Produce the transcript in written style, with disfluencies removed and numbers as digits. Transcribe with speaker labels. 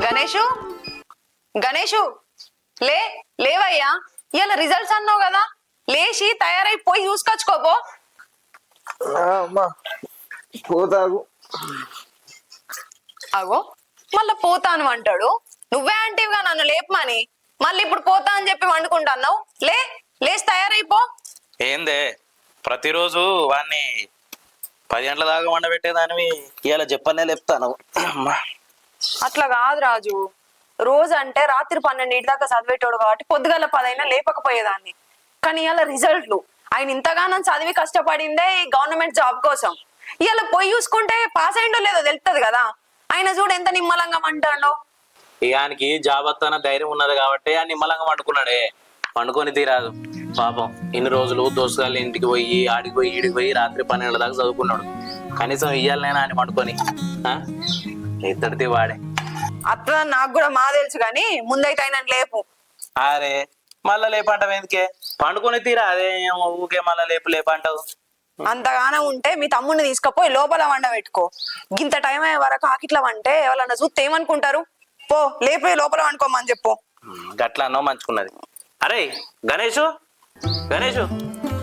Speaker 1: గణేషు గణేషు లే లేవయ్యా, ఇవాళ రిజల్ట్స్ అన్నావు కదా, లేచి తయారైపోయి చూసుకొచ్చుకోపో.
Speaker 2: అమ్మా పోతాగు.
Speaker 1: అగో మళ్ళా పోతాను అంటాడు. నువ్వే అంటివిగా నన్ను లేపమని, మళ్ళీ ఇప్పుడు పోతా అని చెప్పి వండుకుంటున్నావు. లేచి తయారైపో.
Speaker 3: ఏందే ప్రతిరోజు వాడిని 10 గంటల దాకా వండబెట్టేదానివి ఇవాళ చెప్పనే లేపుతాను.
Speaker 1: అట్లా కాదు రాజు, రోజు అంటే రాత్రి 12 దాకా చదివేటోడు కాబట్టి పొద్దుగల 10 అయినా లేపకపోయేదాన్ని. కానీ ఇవాళ రిజల్ట్లు, ఆయన ఇంతగానో చదివి కష్టపడిందే ఈ గవర్నమెంట్ జాబ్ కోసం. ఇవాళ పోయి చూసుకుంటే పాస్ అయిండో లేదో తెలుస్తుంది కదా. ఆయన చూడు ఎంత నిమ్మలంగా అంటాడో.
Speaker 3: ఇయానికి జాబ్ వస్తాన ధైర్యం ఉన్నది కాబట్టి ఆ నిమ్మలంగా వండుకున్నాడే, వండుకొని తీరాదు పాపం. ఇన్ని రోజులు దోస్తుగాళ్ళ ఇంటికి పోయి ఆడికి పోయి ఈడికి పోయి రాత్రి 12 దాకా చదువుకున్నాడు. కనీసం ఇయ్యాలనైనా అని వండుకొని ఇద్దరిది వాడే
Speaker 1: అట్లా నాకు కూడా మా తెలుసు, కానీ ముందైతే ఆయన లేపు.
Speaker 3: అరే మళ్ళా లేపంటావు ఎందుకే, పండుకొని తీరా అదే ఊకే మళ్ళా లేపంటావు.
Speaker 1: అంతగానో ఉంటే మీ తమ్ముడిని తీసుకుపోయి లోపల వండబెట్టుకో. గింత టైం అయ్యే వరకు ఆకిట్లా వంటే ఎవరన్నా చూస్తే ఏమనుకుంటారు. పో లేపి లోపల వండుకోమని చెప్పు.
Speaker 3: గట్లా అన్నో మంచుకున్నది. అరే గణేషు